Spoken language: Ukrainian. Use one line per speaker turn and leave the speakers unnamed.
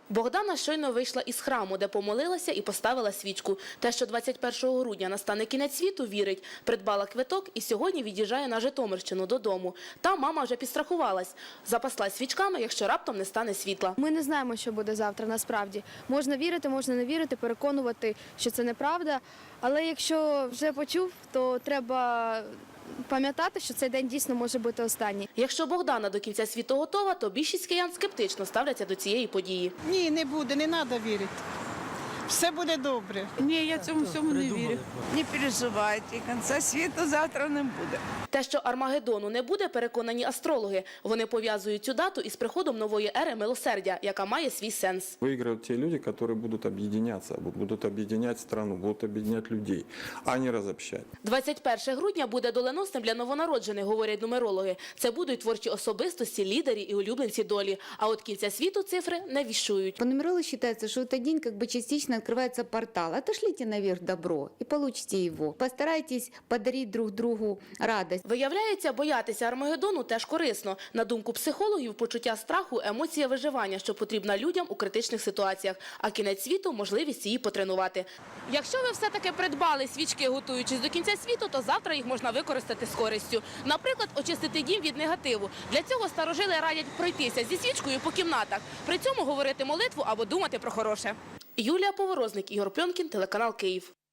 Богдана щойно вийшла із храму, де помолилася і поставила свічку. Те, що 21 грудня настане кінець світу, вірить. Придбала квиток і сьогодні від'їжджає на Житомирщину додому. Там мама вже підстрахувалась. Запаслась свічками, якщо раптом не стане світла.
Ми не знаємо, що буде завтра насправді. Можна вірити, можна не вірити, переконувати, що це неправда. Але якщо вже почув, то треба пам'ятати, що цей день дійсно може бути останній.
Якщо Богдана до кінця світу готова, то більшість киян скептично ставляться до цієї події.
Ні, не буде, не треба вірити. Все буде добре.
Ні, я цьому всьому не вірю. Не переживайте, кінця світу завтра не буде.
Те, що Армагеддону не буде, переконані астрологи. Вони пов'язують цю дату із приходом нової ери милосердя, яка має свій сенс.
Выиграют те люди, которые будут объединяться, будут объединять страну, будут объединять людей, а не разобщать.
21 грудня буде доленосним для новонароджених, говорять нумерологи. Це будуть творчі особистості, лідери і улюбленці долі. А от кінця світу цифри не віщують.
По нумерологии считается, что этот день как бы частично открывается портал. Отошлите наверх добро и получите его. Постарайтесь подарить друг другу радость.
Виявляється, боятися Армагеддону теж корисно. На думку психологів, почуття страху – емоція виживання, що потрібна людям у критичних ситуаціях. А кінець світу – можливість її потренувати. Якщо ви все-таки придбали свічки, готуючись до кінця світу, то завтра їх можна використати з користю. Наприклад, очистити дім від негативу. Для цього старожили радять пройтися зі свічкою по кімнатах. При цьому говорити молитву або думати про хороше. Юлія Поворозник, Ігор Пльонкін, телеканал «Київ».